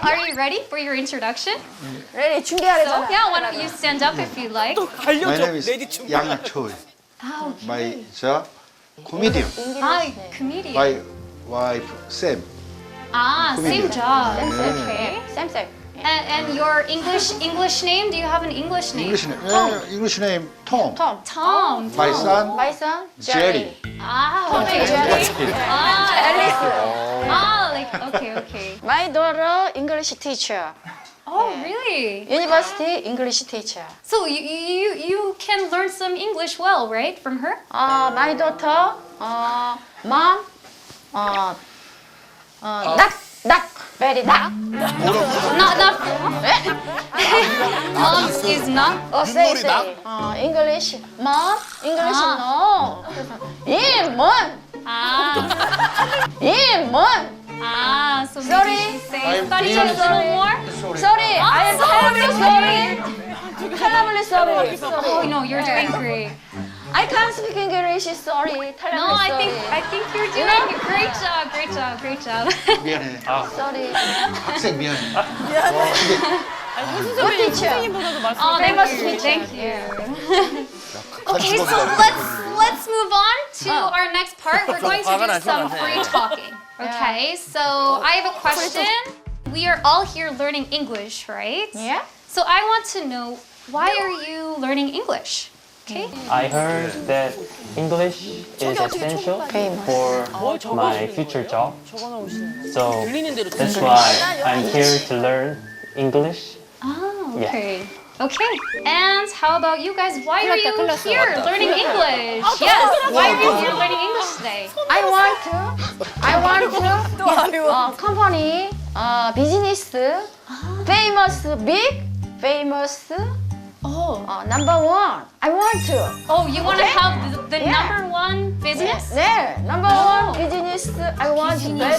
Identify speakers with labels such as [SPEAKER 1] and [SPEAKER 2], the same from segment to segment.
[SPEAKER 1] are you ready for your introduction?
[SPEAKER 2] 레디 준비하래잖아.
[SPEAKER 1] So, yeah, why don't you stand up if you like?
[SPEAKER 3] My name
[SPEAKER 4] 레디
[SPEAKER 3] is
[SPEAKER 4] 춤.
[SPEAKER 3] Yang Choi.
[SPEAKER 1] Oh,
[SPEAKER 3] My comedian.
[SPEAKER 1] hi, comedian.
[SPEAKER 3] My wife Sam.
[SPEAKER 1] Ah, same job. Okay.
[SPEAKER 2] 쌤쌤.
[SPEAKER 1] And your English name? Do you have an English name?
[SPEAKER 3] English name Tom.
[SPEAKER 2] 톰.
[SPEAKER 1] Tom.
[SPEAKER 3] My son
[SPEAKER 2] My son
[SPEAKER 3] Jerry.
[SPEAKER 1] Ah, okay.
[SPEAKER 2] Jerry.
[SPEAKER 1] Ah,
[SPEAKER 2] 앨리스.
[SPEAKER 1] ah, like okay.
[SPEAKER 2] My daughter English teacher.
[SPEAKER 1] Oh, really?
[SPEAKER 2] University English teacher.
[SPEAKER 1] So you can learn some English well, right, from her?
[SPEAKER 2] My daughter mom knock very knock.
[SPEAKER 1] Not mom is not.
[SPEAKER 2] say
[SPEAKER 4] 윷놀이 knock?
[SPEAKER 2] English mom English no. 이문
[SPEAKER 1] Ah,
[SPEAKER 2] 이문.
[SPEAKER 1] so
[SPEAKER 2] Sorry.
[SPEAKER 1] maybe she say
[SPEAKER 3] I'm
[SPEAKER 1] study
[SPEAKER 3] really
[SPEAKER 1] a little more.
[SPEAKER 2] Sorry, I am terribly sorry. Terribly sorry.
[SPEAKER 1] Oh no, you're doing great.
[SPEAKER 2] I can't speak English. Sorry. Terribly
[SPEAKER 1] No, I
[SPEAKER 2] sorry.
[SPEAKER 1] think you're doing a great job.
[SPEAKER 3] 미안해.
[SPEAKER 2] Sorry.
[SPEAKER 3] 학생 미안해.
[SPEAKER 2] Good teacher.
[SPEAKER 4] 선생님보다도 말씀.
[SPEAKER 1] Oh,
[SPEAKER 2] Famous
[SPEAKER 1] thank you.
[SPEAKER 2] teacher.
[SPEAKER 1] Thank you. Okay, so let's move on to our next part. We're going to
[SPEAKER 4] 화가
[SPEAKER 1] do
[SPEAKER 4] 나시면
[SPEAKER 1] some
[SPEAKER 4] 안 돼.
[SPEAKER 1] free talking. Okay, so I have a question. We are all here learning English, right?
[SPEAKER 2] Yeah.
[SPEAKER 1] So I want to know, why are you learning English? Okay.
[SPEAKER 5] I heard that English is essential for my future job.
[SPEAKER 4] 적어 놓으시는
[SPEAKER 5] So
[SPEAKER 4] 들리는 대로
[SPEAKER 5] that's
[SPEAKER 4] 듣는
[SPEAKER 5] why I'm here to learn English.
[SPEAKER 1] Oh,
[SPEAKER 5] Yeah.
[SPEAKER 1] okay. Okay. And how about you guys? Why are you here learning English? Yes. Why are you here learning English today?
[SPEAKER 2] I want to company business famous famous number one. I want to.
[SPEAKER 1] Oh, you want to have the
[SPEAKER 2] Yeah.
[SPEAKER 1] number one business?
[SPEAKER 2] 네, number one business. I want very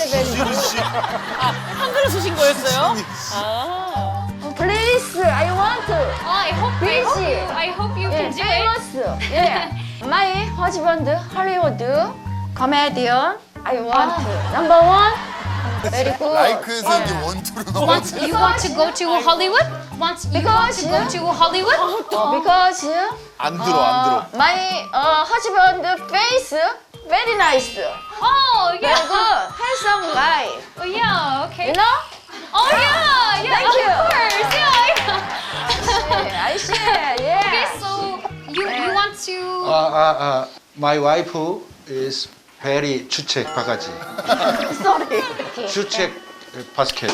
[SPEAKER 4] 한글을 쓰신 거였어요? 아.
[SPEAKER 2] please. I want to.
[SPEAKER 1] Oh, I hope you
[SPEAKER 2] 예,
[SPEAKER 1] can do it.
[SPEAKER 2] famous. 예. My husband Hollywood comedian. I want to. Number one. Very good.
[SPEAKER 6] 라이크에서 이제 원투로 넘어.
[SPEAKER 1] You want to go to Hollywood? You want to go to Hollywood?
[SPEAKER 2] Because
[SPEAKER 6] 안 들어.
[SPEAKER 2] my husband face very nice.
[SPEAKER 1] Oh,
[SPEAKER 2] Very
[SPEAKER 1] yeah.
[SPEAKER 2] good. Handsome guy.
[SPEAKER 1] Oh, yeah. Okay.
[SPEAKER 2] You know?
[SPEAKER 1] Oh, yeah.
[SPEAKER 2] Thank
[SPEAKER 1] of
[SPEAKER 2] you.
[SPEAKER 1] course. Yeah.
[SPEAKER 2] I see. Yeah.
[SPEAKER 1] Okay, so you want to.
[SPEAKER 3] My wife is very 주책 바가지.
[SPEAKER 2] Sorry.
[SPEAKER 3] 주책 바스켓.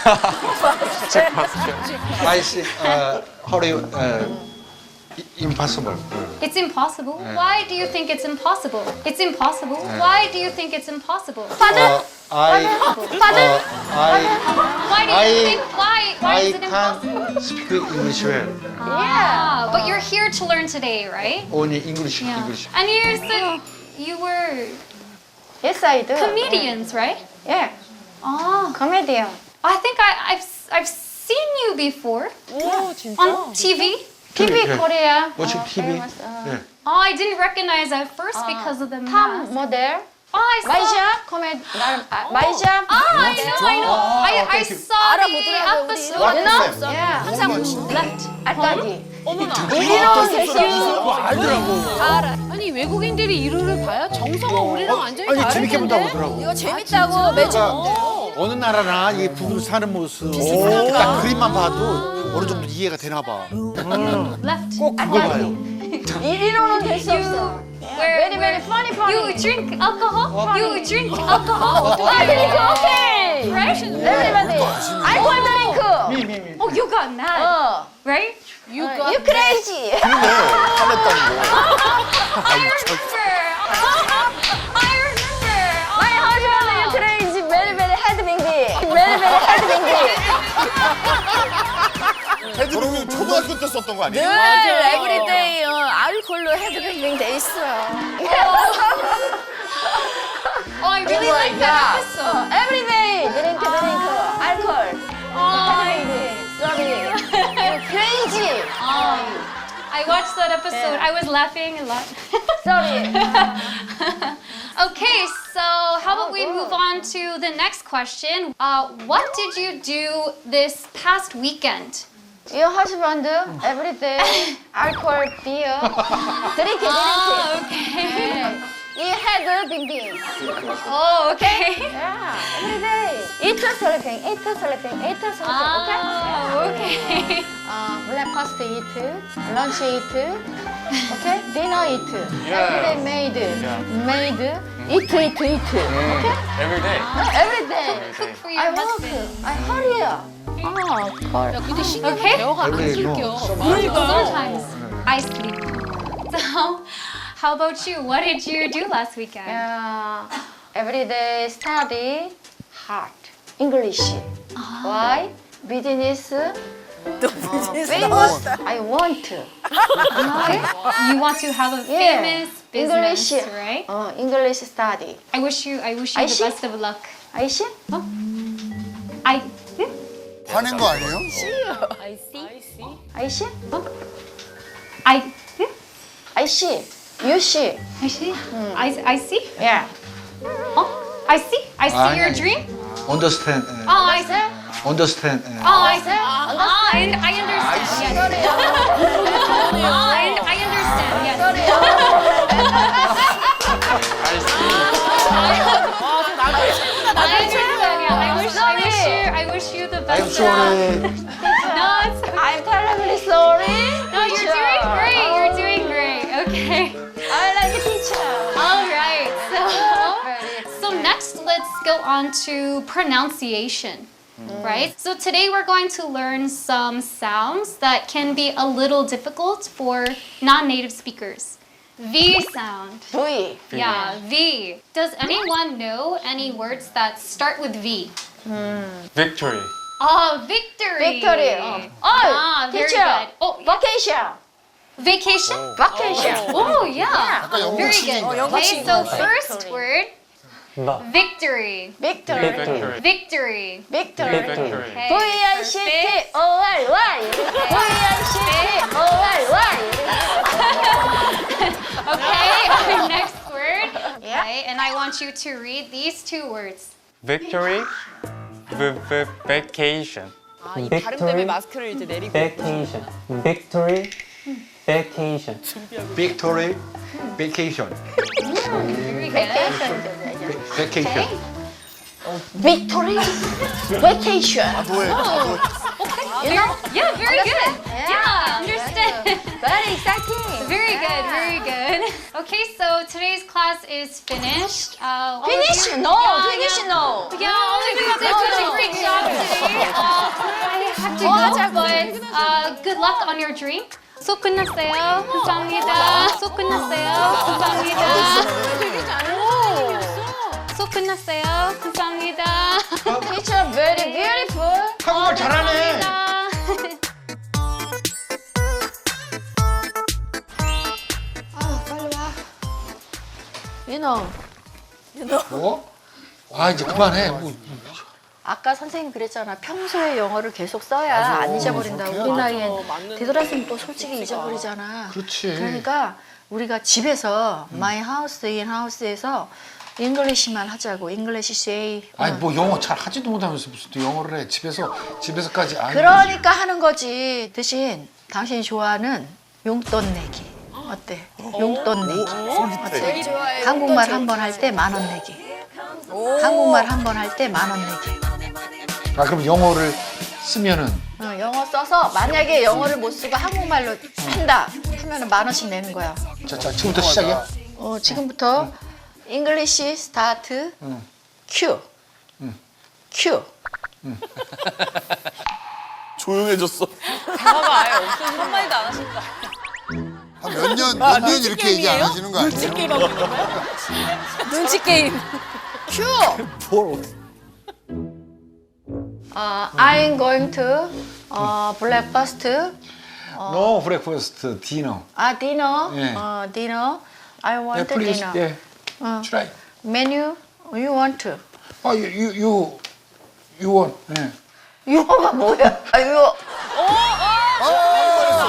[SPEAKER 3] I think Hollywood impossible.
[SPEAKER 1] It's impossible. Why do you think it's impossible? It's impossible. Why do you think it's impossible?
[SPEAKER 3] I
[SPEAKER 1] Why do you think? Why is it
[SPEAKER 3] can't
[SPEAKER 1] impossible?
[SPEAKER 3] speak English well.
[SPEAKER 1] Ah, but you're here to learn today, right?
[SPEAKER 3] Only English.
[SPEAKER 1] And you said you were
[SPEAKER 2] Yes, I do.
[SPEAKER 1] comedians, right?
[SPEAKER 2] Yeah.
[SPEAKER 1] Oh,
[SPEAKER 2] Comedian.
[SPEAKER 1] I think I've seen you before
[SPEAKER 4] 오 진짜.
[SPEAKER 1] on TV.
[SPEAKER 2] TV
[SPEAKER 3] Yeah.
[SPEAKER 2] Korea.
[SPEAKER 3] Watching TV.
[SPEAKER 2] famous,
[SPEAKER 3] Yeah.
[SPEAKER 1] Oh, I didn't recognize at first because of the
[SPEAKER 2] Top
[SPEAKER 1] mask.
[SPEAKER 2] model.
[SPEAKER 1] Oh, I saw.
[SPEAKER 2] 마이샤 코미디. 마이샤.
[SPEAKER 1] I know. I
[SPEAKER 3] thank you.
[SPEAKER 1] saw the
[SPEAKER 4] 알아보더라고요, 우리.
[SPEAKER 1] episode.
[SPEAKER 3] No?
[SPEAKER 2] Yeah.
[SPEAKER 1] 항상 left.
[SPEAKER 2] 알까기.
[SPEAKER 4] 어머나.
[SPEAKER 2] 이리로 대쇼.
[SPEAKER 4] 알아. 아니 외국인들이 이루를 봐요? 정서가 우리랑 완전히 다르던데.
[SPEAKER 7] 재밌게 본다고 그러더라고.
[SPEAKER 4] 이거 재밌다고 매주
[SPEAKER 7] 어느 나라나 이 부부로 사는 모습 딱 그림만 봐도 어느 정도 이해가 되나 봐.
[SPEAKER 1] Left.
[SPEAKER 7] 꼭 그걸 봐요.
[SPEAKER 2] 이리로는 될 수 없어. Very very funny funny.
[SPEAKER 1] You drink alcohol? You drink alcohol?
[SPEAKER 2] 드링크 오케이.
[SPEAKER 1] Right?
[SPEAKER 2] Everybody. 알코올 드링크.
[SPEAKER 1] Oh, you got mad, right?
[SPEAKER 2] You crazy.
[SPEAKER 6] 그러네. 화냈다는 거.
[SPEAKER 1] I remember. I remember.
[SPEAKER 2] My husband you crazy. Very very headbanging. Very very headbanging.
[SPEAKER 6] 헤드룸이 초등학교 때 썼던 거 아니에요?
[SPEAKER 4] 늘 에브리데이 알콜로 헤드뱅뱅 돼 있어.
[SPEAKER 1] Oh, I really like that episode.
[SPEAKER 2] Every day drink alcohol. Sorry. Crazy.
[SPEAKER 1] I watched that episode. I was laughing a lot.
[SPEAKER 2] Sorry.
[SPEAKER 1] Okay, so how about we move on to the next question? What did you do this past weekend?
[SPEAKER 2] Your husband every day alcohol beer drink.
[SPEAKER 1] Okay.
[SPEAKER 2] He had bing.
[SPEAKER 1] Oh, okay.
[SPEAKER 2] Yeah, every day. Eat sleeping. Okay.
[SPEAKER 1] Oh, okay.
[SPEAKER 2] Breakfast eat, lunch eat, okay, dinner eat. Every day made, eat. Okay.
[SPEAKER 5] Every day.
[SPEAKER 2] Every day.
[SPEAKER 1] Cook for your
[SPEAKER 2] I work.
[SPEAKER 1] husband.
[SPEAKER 2] I hurry.
[SPEAKER 4] 야, 근데 신경을
[SPEAKER 1] Okay.
[SPEAKER 4] 대화가 안
[SPEAKER 3] Every day, no.
[SPEAKER 4] 끊겨.
[SPEAKER 1] Sometimes I sleep. So, how about you? What did you do last weekend?
[SPEAKER 2] Every day study hard English. Why? Business. Famous. I want to. Okay?
[SPEAKER 1] You want to have a
[SPEAKER 2] Yeah.
[SPEAKER 1] famous business,
[SPEAKER 2] English.
[SPEAKER 1] right?
[SPEAKER 2] English study.
[SPEAKER 1] I wish you
[SPEAKER 2] I
[SPEAKER 1] the
[SPEAKER 2] see.
[SPEAKER 1] best of luck.
[SPEAKER 2] I see.
[SPEAKER 1] I
[SPEAKER 6] 화낸 거 아니에요?
[SPEAKER 2] I see.
[SPEAKER 1] I
[SPEAKER 2] I see. You see.
[SPEAKER 1] I see. I see.
[SPEAKER 2] Yeah.
[SPEAKER 1] Oh, I see. I see
[SPEAKER 3] Ah,
[SPEAKER 1] your
[SPEAKER 3] yeah.
[SPEAKER 1] dream.
[SPEAKER 3] Understand.
[SPEAKER 1] Oh, I see.
[SPEAKER 3] Understand.
[SPEAKER 1] Oh, I see. And I understand. Yes. And I understand. Yes. I understand. Yeah. I wish you the
[SPEAKER 3] I'm
[SPEAKER 1] best.
[SPEAKER 3] sorry.
[SPEAKER 1] No, it's okay.
[SPEAKER 2] I'm terribly sorry.
[SPEAKER 1] No, you're doing great. You're doing great. Okay.
[SPEAKER 2] I like teacher.
[SPEAKER 1] All right. So next, let's go on to pronunciation. Right? So today we're going to learn some sounds that can be a little difficult for non-native speakers. V sound.
[SPEAKER 2] V.
[SPEAKER 1] Yeah, V. Does anyone know any words that start with V?
[SPEAKER 5] Victory.
[SPEAKER 1] Oh, victory.
[SPEAKER 2] Victory.
[SPEAKER 1] Ah, very
[SPEAKER 2] teacher.
[SPEAKER 1] good. Oh,
[SPEAKER 2] Vacation.
[SPEAKER 1] vacation?
[SPEAKER 2] Vacation.
[SPEAKER 1] Oh, yeah.
[SPEAKER 6] 아까 영국
[SPEAKER 1] Very good.
[SPEAKER 6] 친구인가?
[SPEAKER 1] Okay, so first word, victory.
[SPEAKER 2] Victory.
[SPEAKER 5] Victory.
[SPEAKER 1] Victory.
[SPEAKER 2] Victory.
[SPEAKER 5] Victory.
[SPEAKER 1] Okay.
[SPEAKER 2] V-I-C-T-O-R-Y. V-I-C-T-O-R-Y.
[SPEAKER 1] Okay, next word.
[SPEAKER 2] Yeah.
[SPEAKER 1] Okay, and I want you to read these two words.
[SPEAKER 5] Victory. Vacation.
[SPEAKER 4] 이 발음 때문에 마스크를 이제 내리고.
[SPEAKER 5] Vacation. Victory. Vacation.
[SPEAKER 3] Victory. Vacation.
[SPEAKER 1] Very good.
[SPEAKER 3] Vacation.
[SPEAKER 2] Victory. Vacation.
[SPEAKER 6] 뭐해?
[SPEAKER 2] You know?
[SPEAKER 1] Yeah, very good. Yeah, understand.
[SPEAKER 2] Very exciting.
[SPEAKER 1] Very good, very good. Okay, so today's class is finished. All of
[SPEAKER 2] Finish?
[SPEAKER 1] you-
[SPEAKER 2] No.
[SPEAKER 1] Yeah,
[SPEAKER 2] Finish?
[SPEAKER 1] yeah.
[SPEAKER 2] No.
[SPEAKER 1] Yeah, all of you did such a great job today. I have to go, but good luck on your dream. 수업 끝났어요. 감사합니다. 수업 끝났어요. 감사합니다.
[SPEAKER 4] 되게 잘하는
[SPEAKER 1] 수업 끝났어요. 감사합니다.
[SPEAKER 2] Teacher, very beautiful.
[SPEAKER 3] 한국말 잘하네.
[SPEAKER 1] 감사합니다.
[SPEAKER 2] 빨리 와. 윤호.
[SPEAKER 3] 뭐? 아 이제 그만해. 뭐.
[SPEAKER 2] 아까 선생님 그랬잖아. 평소에 영어를 계속 써야 안 잊어버린다. 우리 나이엔 되돌아서면 또 솔직히 잊어버리잖아.
[SPEAKER 3] 그렇지.
[SPEAKER 2] 그러니까 우리가 집에서 my house, in house에서 잉글리시만 하자고. 잉글리시 say.
[SPEAKER 7] 아니 뭐 영어 잘 하지도 못하면서 무슨 또 영어를 해. 집에서까지 안
[SPEAKER 2] 그러니까 하는 거지. 대신 당신이 좋아하는 용돈 내기. 어때? 용돈 내기. 어때? 한국말 한 번 할 때 10,000원 내기. 한국말 한 번 할 때 10,000원 내기.
[SPEAKER 7] 아 그럼 영어를 쓰면은
[SPEAKER 2] 영어 써서 만약에 영어를 못 쓰고 한국말로 한다 하면은 10,000원씩 내는 거야.
[SPEAKER 7] 자 지금부터 시작이야?
[SPEAKER 2] 지금부터 English start Q. Q.
[SPEAKER 6] 조용해졌어.
[SPEAKER 4] 대화가 아예 없어서 한마디도 안 하신다.
[SPEAKER 6] 한 몇 년 이렇게 얘기 안 하시는 거
[SPEAKER 4] 눈치
[SPEAKER 6] 아니에요?
[SPEAKER 4] 게임 하고 있는 거야? 눈치 게임.
[SPEAKER 2] Q. I'm going to breakfast.
[SPEAKER 7] No breakfast, dinner.
[SPEAKER 2] Dinner.
[SPEAKER 7] 예.
[SPEAKER 2] Dinner. I want
[SPEAKER 7] Yeah, please.
[SPEAKER 2] dinner.
[SPEAKER 7] Yeah. Try.
[SPEAKER 2] Menu. You want to.
[SPEAKER 7] You want. 예.
[SPEAKER 2] 유어가 뭐야? 유어.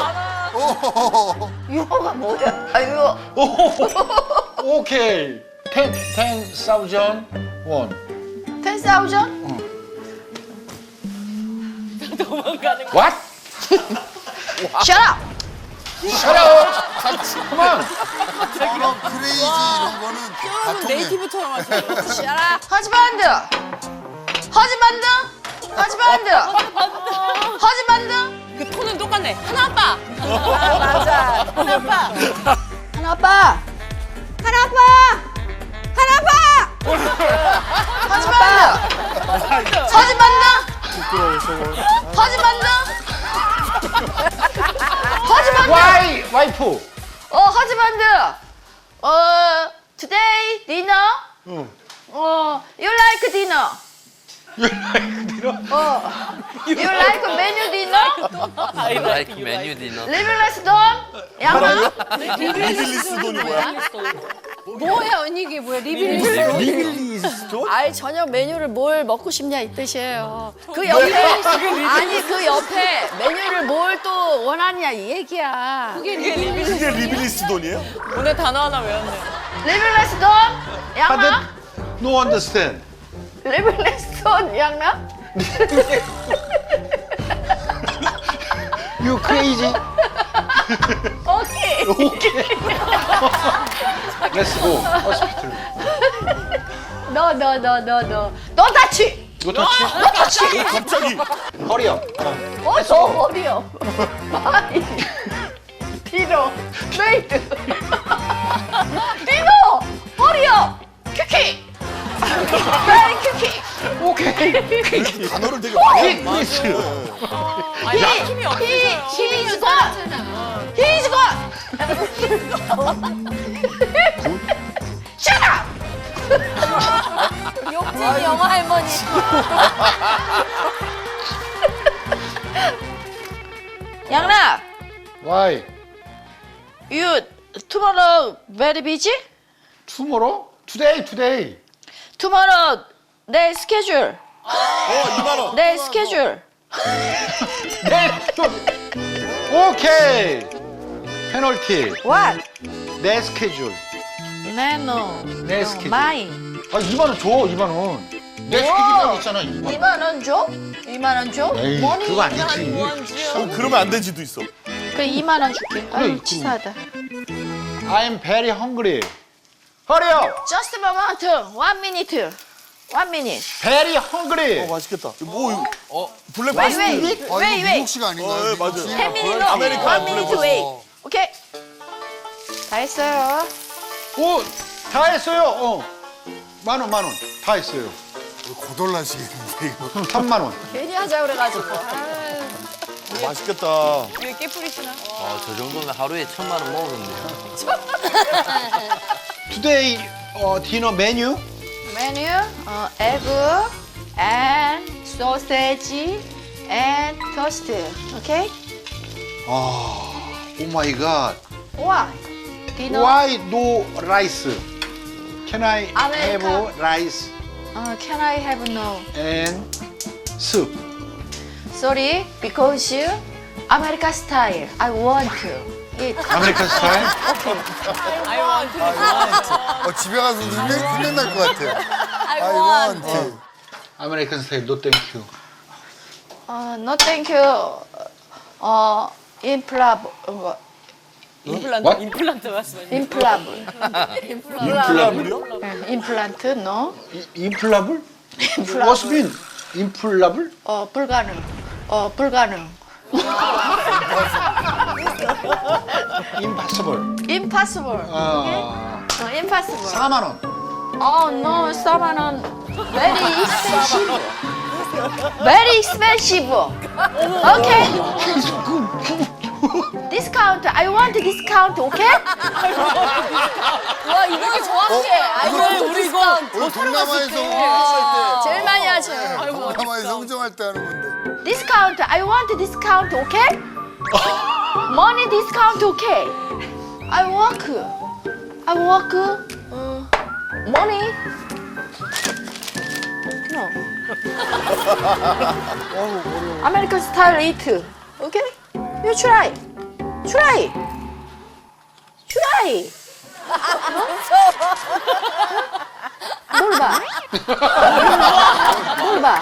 [SPEAKER 2] 유어가 뭐야? 유어.
[SPEAKER 7] 오케이. 10,000 won.
[SPEAKER 2] 10,000?
[SPEAKER 7] What?
[SPEAKER 2] Shut up!
[SPEAKER 7] Shut up! Come on.
[SPEAKER 6] 그런 크레이지 이런 거는 다 통해.
[SPEAKER 4] 네이티브처럼 하세요.
[SPEAKER 2] 허즈반드! 허즈반드! 허즈반드! 허즈반드!
[SPEAKER 4] 그 톤은 똑같네. 하나 아빠.
[SPEAKER 2] 맞아.
[SPEAKER 4] 하나 아빠.
[SPEAKER 2] 하나 아빠! 하나 아빠! 하나 아빠! 허즈반드! 허즈반드! 허즈반드! 허즈반드!
[SPEAKER 7] Why? 와이프.
[SPEAKER 2] 허즈반드! today dinner? you like dinner? You like menu dinner?
[SPEAKER 8] like menu dinner.
[SPEAKER 2] 리빌레스 돈? 양아?
[SPEAKER 4] 리빌리스 돈이 뭐야? 뭐야 언니 이게 뭐야? 리빌리스 돈?
[SPEAKER 2] 아이 저녁 메뉴를 뭘 먹고 싶냐 이 뜻이에요. 그 옆에 아니 그 옆에 메뉴를 뭘 또 원하냐 이 얘기야.
[SPEAKER 4] 그게 리빌리스 돈이에요? 오늘 단어 하나 외웠네.
[SPEAKER 2] 리빌레스 돈? 양아?
[SPEAKER 7] No understand.
[SPEAKER 2] 리빌레스 돈 양아?
[SPEAKER 7] You crazy?
[SPEAKER 2] 오케이.
[SPEAKER 7] Let's go. Hospital.
[SPEAKER 2] 너 다치.
[SPEAKER 7] 이거 터치?
[SPEAKER 6] 갑자기
[SPEAKER 7] Hurry up.
[SPEAKER 2] 저 어디요? 마이. 디노. 메이드. 디노. 어디요? 큐키. 메이 큐키.
[SPEAKER 7] 오케이.
[SPEAKER 6] 단어를 되게 많이
[SPEAKER 7] 플리즈.
[SPEAKER 4] 아니 힘이 없으세요.
[SPEAKER 2] He is good. He is good. Shut up.
[SPEAKER 4] 욕쟁이 영화 할머니.
[SPEAKER 2] 양락,
[SPEAKER 7] Why?
[SPEAKER 2] you tomorrow very busy?
[SPEAKER 7] Tomorrow? Today.
[SPEAKER 2] Tomorrow 내 스케줄.
[SPEAKER 6] 2만 원.
[SPEAKER 2] 내 스케줄.
[SPEAKER 7] 오케이. 페널티.
[SPEAKER 2] What?
[SPEAKER 7] 내 스케줄.
[SPEAKER 2] No.
[SPEAKER 7] 내 스케줄.
[SPEAKER 2] Mine.
[SPEAKER 7] 2만 원 줘. 2만 원. 내 스케줄이라고 있잖아. 2만 원.
[SPEAKER 2] 2만 원 줘? 2만 원 줘?
[SPEAKER 7] 에이,
[SPEAKER 2] 머니
[SPEAKER 7] 그거 아니지.
[SPEAKER 6] 그러면 안 되지도 있어.
[SPEAKER 2] 그래 2만 원 줄게. 아유 치사하다.
[SPEAKER 7] I'm very hungry. Hurry up.
[SPEAKER 2] Just a moment. 1 minute. 1 minute.
[SPEAKER 7] Very hungry.
[SPEAKER 6] 맛있겠다. 뭐 이거? 블랙
[SPEAKER 2] Wait,
[SPEAKER 6] 바스트.
[SPEAKER 2] wait.
[SPEAKER 6] 이거
[SPEAKER 2] wait, wait.
[SPEAKER 6] 미국식 아닌가요?
[SPEAKER 7] 네,
[SPEAKER 6] 미국식?
[SPEAKER 7] 맞아요.
[SPEAKER 2] 10 minute. No.
[SPEAKER 6] 아메리칸
[SPEAKER 2] 1 minute
[SPEAKER 6] 블랙
[SPEAKER 2] wait. 오케이. 다 했어요.
[SPEAKER 7] 오, 다 했어요. 10,000원. 다 했어요.
[SPEAKER 6] 고돌라시겠는데 이거.
[SPEAKER 7] 3만 원.
[SPEAKER 2] 괜히 하자 그래가지고.
[SPEAKER 6] 맛있겠다.
[SPEAKER 4] 왜 깨뿌리시나?
[SPEAKER 8] 저 정도면 하루에 1,000만 원 먹었는데요.
[SPEAKER 7] Today dinner menu.
[SPEAKER 2] 메뉴, egg, and sausage, and toast. 오케이?
[SPEAKER 7] Oh my god.
[SPEAKER 2] Why? Dinner.
[SPEAKER 7] Why no rice? Can I
[SPEAKER 2] American.
[SPEAKER 7] have rice
[SPEAKER 2] Can I have no?
[SPEAKER 7] and soup?
[SPEAKER 2] Sorry, because American style. I want to eat.
[SPEAKER 7] American style?
[SPEAKER 4] I want.
[SPEAKER 6] 집에 가서 hun내 날 것 같아. I want.
[SPEAKER 7] American style. No thank you.
[SPEAKER 2] No, thank you.
[SPEAKER 4] 임플란트.
[SPEAKER 7] What?
[SPEAKER 4] 임플란트 말씀하시죠.
[SPEAKER 6] 임플란트요?
[SPEAKER 2] 임플란트, no.
[SPEAKER 7] Implable? What's mean? Implable?
[SPEAKER 2] 불가능. 불가능.
[SPEAKER 7] Impossible.
[SPEAKER 2] Impossible. Impossible.
[SPEAKER 7] 4만 원.
[SPEAKER 2] No, 4만 원. Very expensive. Very expensive. Okay. Discount. I want discount. Okay? 와 이거 정확해.
[SPEAKER 4] 우리 이거
[SPEAKER 6] 우리 동남아에서 흥정할
[SPEAKER 2] 제일 많이 하죠.
[SPEAKER 6] 때. 동남아에서 흥정할 때 하는 건데.
[SPEAKER 2] Discount. I want discount. Okay? Money discount. Okay? I work. Money. No. American style eat. Okay? You try. 뭘 봐? 뭘 봐?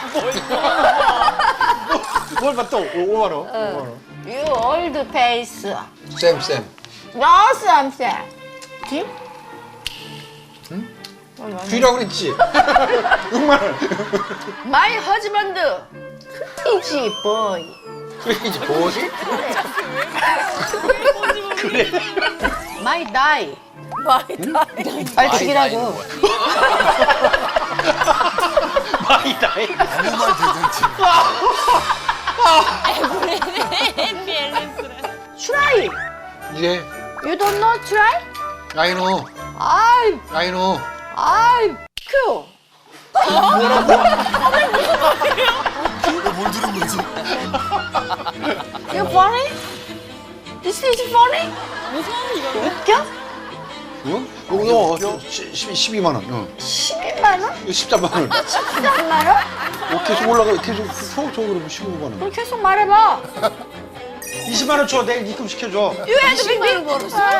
[SPEAKER 7] 뭘 봐, 또 5만 원.
[SPEAKER 2] You old face.
[SPEAKER 3] 쌤, 쌤.
[SPEAKER 2] No, something. 지?
[SPEAKER 3] 귀라고 그랬지?
[SPEAKER 7] 6만 원.
[SPEAKER 2] My husband. 크레이지 boy.
[SPEAKER 3] 그래야지, 뭐지?
[SPEAKER 2] My die. 빨리 죽이라고.
[SPEAKER 7] 많이 나이.
[SPEAKER 6] 아무 말 대잔치.
[SPEAKER 2] Try.
[SPEAKER 3] 예.
[SPEAKER 2] You don't know try?
[SPEAKER 3] I know.
[SPEAKER 2] I
[SPEAKER 3] I know.
[SPEAKER 2] cool.
[SPEAKER 6] 뭘 들은 거지?
[SPEAKER 2] You funny? This is funny? 웃겨?
[SPEAKER 3] 어? 이거 12만 원. 어.
[SPEAKER 2] 12만 원?
[SPEAKER 3] 이거 13만 원.
[SPEAKER 2] 13만 원?
[SPEAKER 3] 계속 올라가, 계속 서 그러면 15만 원.
[SPEAKER 2] 계속 말해봐.
[SPEAKER 7] 20만 원 줘. 내일 입금 시켜줘.
[SPEAKER 2] You had 20만 원 벌었어?